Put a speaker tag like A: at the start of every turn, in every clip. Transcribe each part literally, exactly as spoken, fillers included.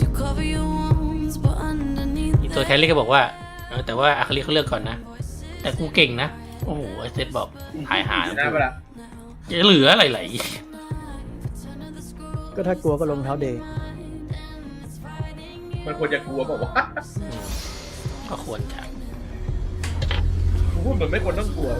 A: อีตัวแคลรี่ก็บอกว่าแต่ว่าอาคาริเขาเลือกก่อนนะแต่กูเก่งนะโอ้โหไอเซตบอกหายหา
B: ได้ปะล่ะ
A: จะเหลืออะไรไหล
C: ก็ถ้ากลัวก็ลงเท้าเดย์
B: มันควรจะกลัวบอกว่า
A: ก็ควรจะ
B: กูพูดเหมือนไม่ควรต้องกลัว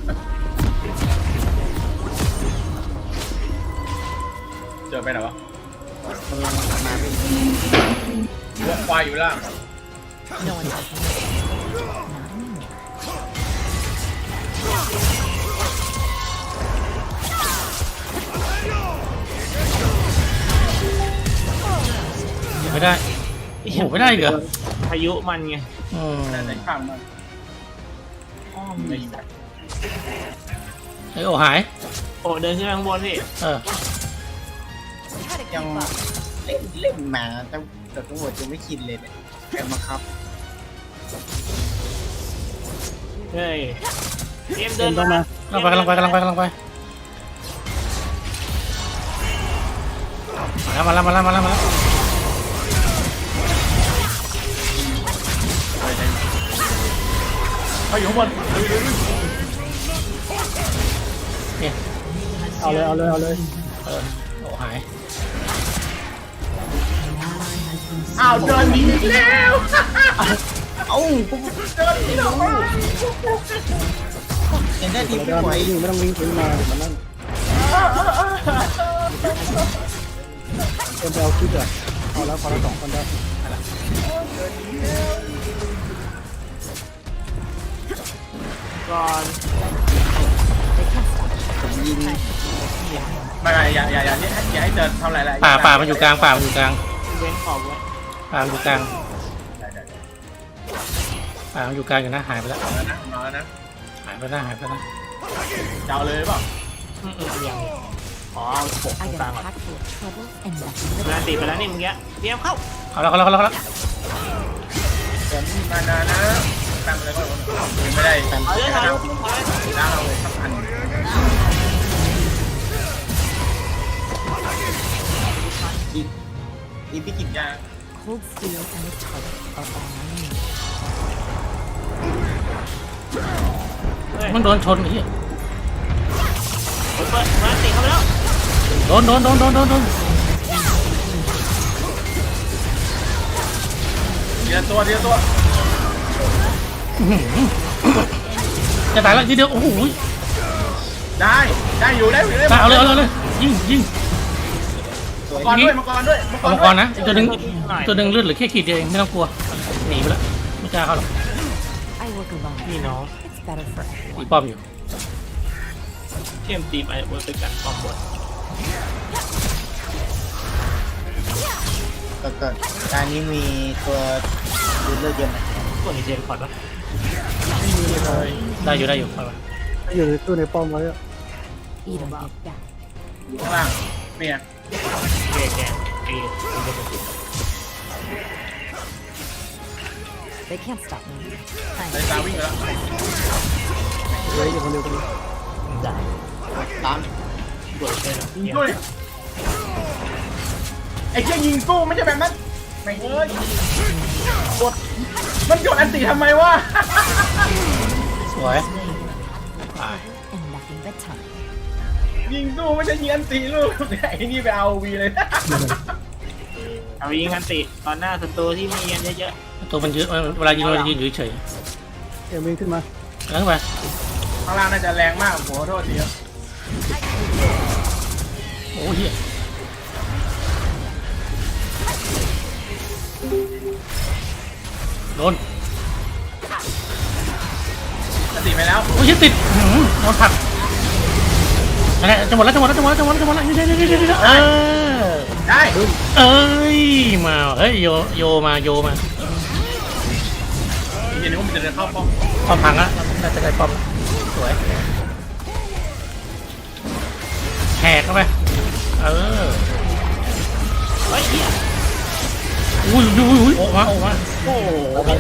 B: เจอไปไหนวะ
C: กำลังมาเป็น
B: วัวควายอยู่ล่าง
D: No one else. Not anymore.
A: ไม่ได้โอ้โหไม่ได้เหรอ
E: พายุมันไง
A: อืม
B: แต่ในข้างมัน
E: อ้อม
B: ไม่
E: ดี
B: ได้
A: ไอโอหาย
E: โอ้เดินขึ้นไปข้างบนพี่
A: เออ
C: ยังเล่นเล่นมาแต่แต่ตำรวจยังไม่ชินเลยเนี่ยแกมาครับ
E: เฮ้ยเตรียมเดิน
C: ต้อง
E: มา
C: มา
A: กำลังไปกำลังไปกำลังไปกำลังไปมาแล้วมาแล้วมาแล้วมาแล้วมาแล้ว
B: เขาอยู่ข้างบน
A: เนี่ย
C: เอาเลยเอาเลยเอาเลย
A: เออโอ้หาย
B: อ้าวเดินหนีอีกแล้ว
C: เอ้า
B: เดินหนีแล้ว
C: เห็นได้ทีไม่ไหวอยู่ไม่ต้องวิ่งขึ้นมามันนั่นเอ็มไปเอาคลิปอ่ะเอาแล้วพอละสองคนได้
E: ก่อน
C: ผมยิง
B: ไม่ไม่อย่าอย่าอย่าอย่าให้เดินทำอะไรอะไร
A: ป่าป่ามันอยู่กลางป่ามันอยู่กลาง
E: เว้นขอบไว้
A: ป่ามันอยู่กลาง
B: ได้ได้ได้
A: ป่ามันอยู่กลางอยู่นะหายไปแล้ว
B: มาแล้วนะมาแล้วนะ
A: หายไปแล้วหายไปแล้ว
B: จะเอาเลยหรือเปล่า
E: อืมอืมยังขอเอาปกตรง
D: I
E: กลาง
D: got
E: ก่อน
D: a pack full of trouble and nothing
E: เว
D: but
E: ลาตีไปแล้วนี่เมื่อกี้เตรียมเข้า
A: เอาแล้วเอาแล้วเอาแล้วเอาแล้ว
B: ผมมานานะตั้งไปเลยก็ยังไม่ได้
E: เอาเลยเอาเลยเอาเลย
B: ล้างเอาเลยสักพัน
C: อีกอีกพี่กิน
B: ยา
D: cold steel and a target are all I need.
E: เฮ้ย
A: มันโดนชนไอ้เหี้ย
E: เปิดเปิดมาตีเข้าไปแล้ว
A: โดนโดนโดนโดนโดนโดน
B: เดียวตัวเดียวตัว
A: จะตายแล้วทีเดียวโอ้โห
B: ได้ได้อยู่ได้อยู่ได้
A: ตายเอาเลยเอาเลยเอาเลยยิงยิง
B: มังกรด้วยมังกรด้วยมังก
A: เอา
B: ร
A: มังกรนะอีกตัวหนึ่งอีกตัวหนึ่งเลือดเหลือแค่ขีดเดียวเองไม่ต้องกลัวหนีไปแล้วไม่กล้าเข้าหรอก
D: I work alone.
E: พี่น้อง
D: It's better for
A: ตี
D: everyone.
A: ป้อมอยู่
E: เข้มตีไปบนไปกัดป้อมบน
C: ก็เกิดการนี้มีตัวดูเลือดเยอะไหม
E: ตัวนี้เจนพอดปะ
A: ได้อยู่ได้อยู่เอาไป
C: อยู่ในตู้ในป้อมไว้
D: Eat 'em, get back.
B: อยู่ข้างล่างเมีย
E: เกแกเอ
D: They can't stop me.
B: เลยตาวิ่งไปแล้ว
C: เฮ้ยอยู่คนเดียวกัน
E: ได้
C: ตาม
E: โดดเลย
B: ยิงด้วยไอ้เชี่ยยิงสู้ไม่ใช่แบบนั้นไม่เอ้ยกดมันกดอันติทำไมวะ
A: สวยตาย
D: And nothing but time.
B: ยิงสู้ไม่ใช่ยิงอันติลูกไอ้นี่ไปเอาวีเลย
E: เอายิงกันติตอนหน้าศัตรูที่มีกันเยอะ
A: ตัวมันยืดเวลายิงเราจะยืนอยู่เฉย
C: เอ็มวิ่งขึ้นมา
A: ๆแล้วไป
B: ข้างล่างน่าจะแรงมากโหโทษทีครับ
A: โอ้เหี้ยโดน
B: อันติไปแล้ว
A: โอ้ยติดหืมโดนผลักอะไรจะหมดแล้วจะหมดแล้วจะหมดแล้วจะหมดแล้วจะหมดแล้วเดี๋ยวเดี๋ยวเดี๋ยวเดี๋ยวเออ
B: ได้
A: เอ้ยมาเฮ้ยโยโยมาโยมา
B: เห็นว่ามันจะเดินเข้าป้อม
A: ป้อมพังละน่าจะได้ป้อมสวยแหกเข้าไปเออ
E: ๆเฮ้ยเฮีย
A: อุ้ยอุ้ยอุ้ยออกมาออกมา
E: โอ้โห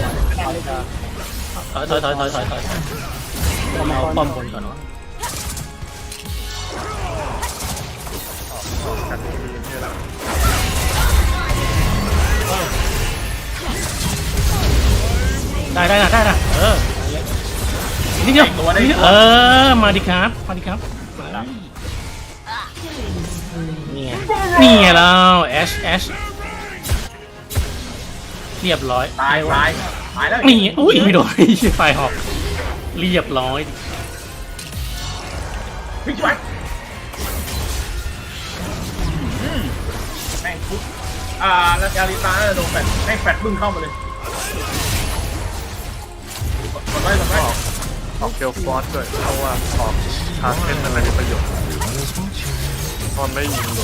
A: ถอยถอยถอยถอยถอยถอยเอาป้อมบนก่อนวะ
E: เฮ้
A: ได้นะได้นะเออนี่เดียวเออมาดิครับมาดิครับนี่ไงนี่ไงแล้วแอชแอชเรียบร้อย
B: ตายตายตายแล้ว
A: นี่อุ้ยไม่โดนไฟหอกเรียบร้อย
B: พี่ช่วยแม่งปุ๊บอ่าแล้วอาริตาน่าจะโดนแฟดแม่งแฟดบึ้งเข้ามาเลยกดไว้กดไว้
F: ออกเกลฟอร์สด้วยเพราะว่าออกทางเล่นอะไรมีประโยชน์ตอนไม่ยิงเลย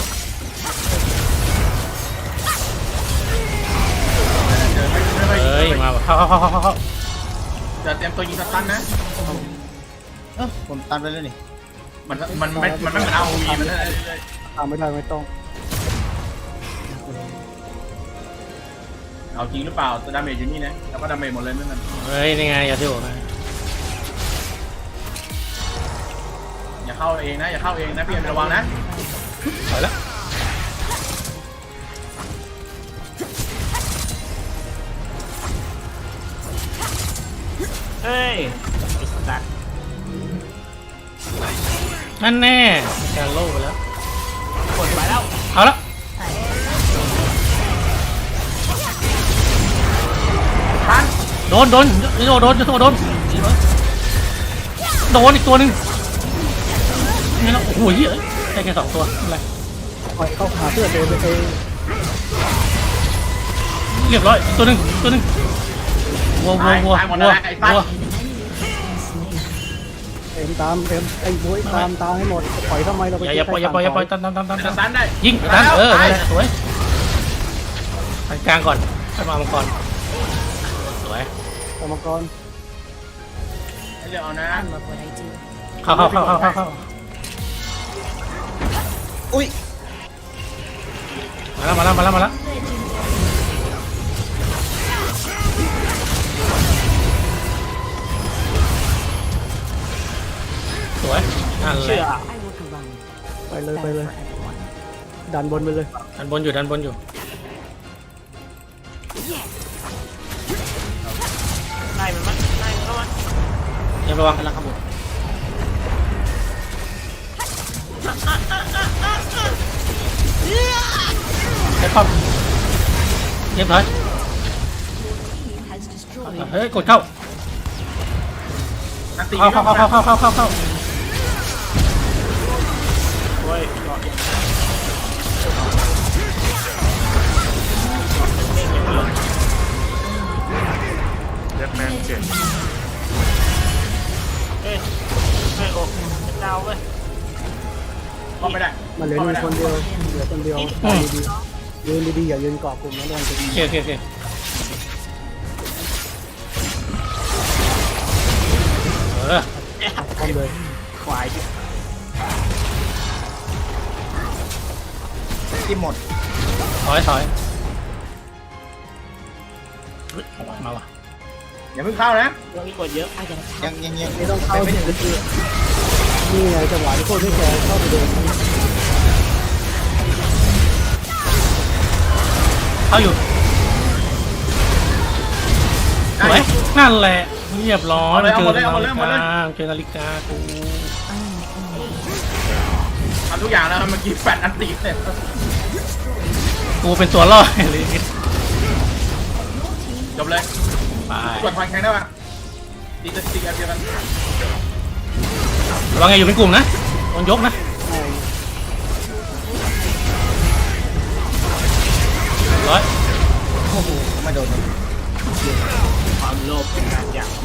B: เดินไม่ไม่ไม่
A: เฮ้ยมาเข้าเข้าเข้าเข้าเข้า
B: จะเตรียมตัวยิงสตันนะ
C: เออผมตันไปแล้วนี่
B: มันมันไม่มันไม่เหมือนเอาวีมันนั่นเลย
G: ทำไม่ได้ไม่ต้อง
B: เอาจริงหรือเปล่าตัวดาเมจอยู่นี่นะแล้วก็ดาเมจหมดเลยนั่นน่ะ
A: เฮ้ยนี่ไงอย่าที่บอกนะ
B: อย่าเข้าเองนะอย่าเข้าเองนะพี่เอ็มระวังนะ
A: ถอยแล้ว
E: เฮ้ยไอ้สัตว์
A: นั่นแน่การโล่ไปแล้ว
E: กดไปแล้ว
A: เอาละ
B: ทัน
A: โดนโดนโดนโดนจะโดนโดนโดนอีกตัวหนึ่งนี่แล้วโอ้โหเยอะได้แค่สองตัวอะไร
G: ปล่อยเข้าหาเพื่อนโดนไปเอง
A: เรียบร้อยตัวหนึ่งตัวหนึ่งวัววัววัววัววัว
G: เอ็มตามเอ็มไอ้บุ้ยตามตามให้หมดปล่อยทำไมเราไป
A: อย่าอย่าปล่อยอย่าปล่อยอย่าปล่อยตันตันตันตัน
B: สตันได้
A: ยิงตันเออนั่นแหละสวยตันกลางก่อนให้มามังกรสวย
G: กรรมกร
B: ให้เลือกเอานะ
D: I love what I do.
A: เข้าเข้าเข้าเข้าเข้าเข้า
C: อุ้ย
A: มาแล้วมาแล้วมาแล้วมาแล้วสวยนั่นแหละ
D: I work alone.
G: ไปเลยไป
D: Better
G: เลย
D: for everyone.
G: ดันบนไปเลย
A: ดันบนอยู่ดันบนอยู่
E: ไล่มันมั้ยไล่มันเข้ามา
A: เดี๋ยวระวังกำลังขบวนใช้ความเรียบร้อยเฮ้ยกดเข้า
B: นักตี
A: เข้าเข้าเข้าเข้าเข้าเข้าเข้า
E: เฮ้ยเกาะยัง
F: เรียกแมนเก่ง
E: เฮ้ยเฮ้ยโอ้เป็นดาวเว้ย
B: ก็ไม่ได้
G: มาเหลืออยู่คนเดียวเหลือคนเดียวตายดีๆยืนดีๆอย่ายืนเกาะกลุ่มนะโดนจะ
A: โอเคโอเคโอเคเออ
G: พร้อมเลย
E: ควายดิ
C: ที่หมด
A: ถอยถอยเฮ้ยมาว่ะ
B: อย่าเพิ่งเข้านะ
E: เรื่องนี้กดเยอะ
D: I gotta
C: ยั
D: tap.
C: งยังยัง
G: ไม่ต้องเข้าที่นี่ไงจังหวะที่โคตรไม่แคร์เข้าไปโดน
A: เข้าอยู่สวยนั่นแหละเรียบร้อยเจอนาฬิกาเจอนาฬิกากู
B: ทำทุกอย่างแล้วเมื่อกี้แฟดอันตีเสร็จ
A: กูเป็นตัวล่อเลย
B: จบเลย
A: ไป
B: กดพอยแข่งได้ป่ะตีจะตีกันเดียวกัน
A: ระวังไงอยู่เป็นกลุ่มนะโดนยกนะร้อย
C: โอ้โหไม่โดนเลย
E: ความโลภเป็นการอย่าง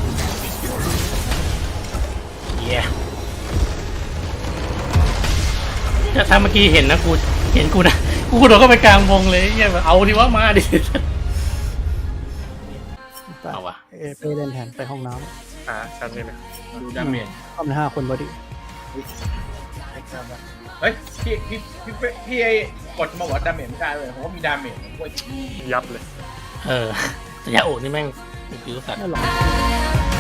A: เย้ถ้าทำเมื่อกี้เห็นนะกูเห็นกูนะกูโดดเข้าไปกลางวงเลยเงี้ยเอาดิว่ามาดิเอาวะ
G: เอเปเล่นแทนไปห้องน้
F: หาชั้นนี้เลย
B: ดูดาเมจ
G: ำเข้ามาห้าคนพอดี
B: เฮ้ยพี่พี่พี่พี่ไอ้กดมาบอกดาเมจไม่ได้เลยผมว่ามีดาเมจด้วย
F: ยับเลย
A: เออแต่ยาโอนี่แม่งมีผิวสัตว์
G: นั่นหรอ